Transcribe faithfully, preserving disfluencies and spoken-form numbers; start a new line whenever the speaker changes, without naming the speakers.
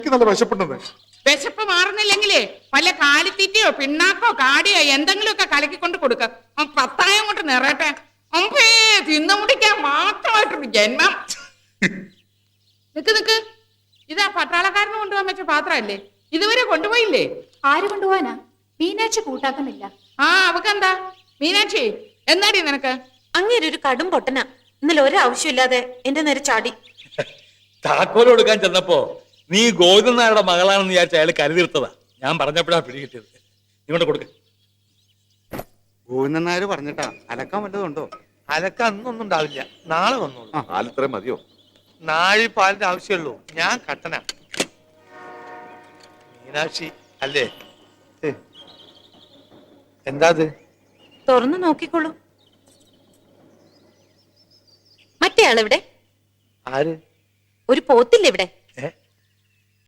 നല്ല വിശപ്പുണ്ടെന്ന്.
വിശപ്പ് മാറുന്നില്ലെങ്കിലേ വല്ല കാലിത്തീറ്റയോ പിണ്ണാക്കോ കാടിയോ എന്തെങ്കിലുമൊക്കെ കലക്കിക്കൊണ്ട് കൊടുക്ക. പത്തായം കൊണ്ട് നിറയട്ടെ. അമ്പേ തിന്നു മുടിക്കാൻ മാത്രമായിട്ടൊരു ജന്മം. നിക്ക് നിക്ക്, ഇതാ പട്ടാളക്കാരന് കൊണ്ടുപോകാൻ വെച്ച പാത്രമല്ലേ? ഇതുവരെ കൊണ്ടുപോയില്ലേ?
ആര് കൊണ്ടുപോവാനാ? മീനാക്ഷി കൂട്ടാക്കുന്നില്ല.
ആ അവക്കെന്താ? മീനാക്ഷി എന്നാടി നിനക്ക്?
അങ്ങേര് ഒരു കടും പൊട്ടന. ഇന്നലെ ഒരാവശ്യമില്ലാതെ എന്റെ നേരെ ചാടി.
താക്കോല് കൊടുക്കാൻ ചെന്നപ്പോ നീ ഗോവിന്ദൻ നായരുടെ മകളാണെന്ന് വിചാരിച്ച അയാൾ കരുതിർത്തതാ. ഞാൻ പറഞ്ഞപ്പോഴാ പിടി കിട്ടിയത്. ഇങ്ങോട്ട് കൊടുക്ക.
ഗോവിന്ദൻ നായർ പറഞ്ഞിട്ടാ അലക്കാൻ വല്ലതുണ്ടോ?
അലക്ക അന്നൊന്നും ഉണ്ടാവില്ല, നാളെ വന്നോളൂ.
പാലിത്രേ മതിയോ?
നാഴി പാലിന്റെ ആവശ്യമുള്ളൂ. ഞാൻ കട്ടന. മീനാക്ഷി അല്ലേ? എന്താ അത്?
തുറന്നു നോക്കിക്കോളൂ. മറ്റേ ആളെവിടെ?
ആര്?
ഒരു പോത്തില്ലേ ഇവിടെ?